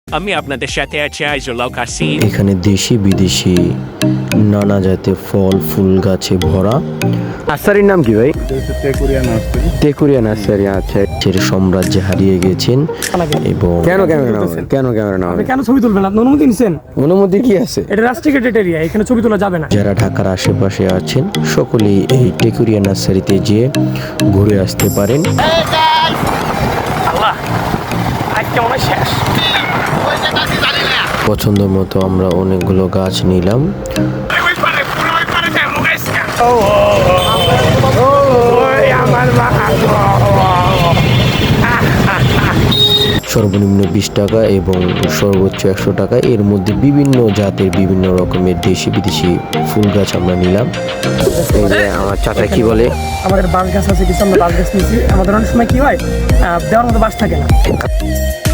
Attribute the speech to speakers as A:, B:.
A: আমি আপনাদের সাথে আছি আইজুল্লাহ কাসিম।
B: এখানে দেশি বিদেশি নানা জাতের ফল ফুল গাছে ভরা।
C: নার্সারির নাম কি ভাই? টেকুরিয়া নার্সারি। আচ্ছা,
B: এর সাম্রাজ্যে হারিয়ে গেছেন এবং
C: কেন ক্যামেরা নাম?
D: কেন ছবি তুলবেন? আপনি অনুমতি নিছেন?
C: অনুমতি কি আছে?
D: এটা রাস্ট্রিকেটেড এরিয়া, এখানে ছবি তোলা যাবে না।
B: যারা ঢাকার আশেপাশে আছেন সকলেই এই টেকুরিয়া নার্সারিতে যেয়ে ঘুরে আসতে পারেন।
D: আল্লাহ, আজকে মনে হয় শেষ।
B: পছন্দ মতো আমরা অনেকগুলো গাছ নিলাম। সর্বনিম্ন 20 টাকা এবং সর্বোচ্চ 100 টাকা, এর মধ্যে বিভিন্ন জাতের বিভিন্ন রকমের দেশি বিদেশি ফুল গাছ আমরা নিলাম।
C: এই যে আমার চাচা কি বলে,
D: আমাদের বাঁশ গাছ আছে কিছু, আমরা বাঁশ গাছ নিয়েছি। আমাদের অনেক সময় কি হয়, দেওয়ার মতো বাঁশ থাকে না।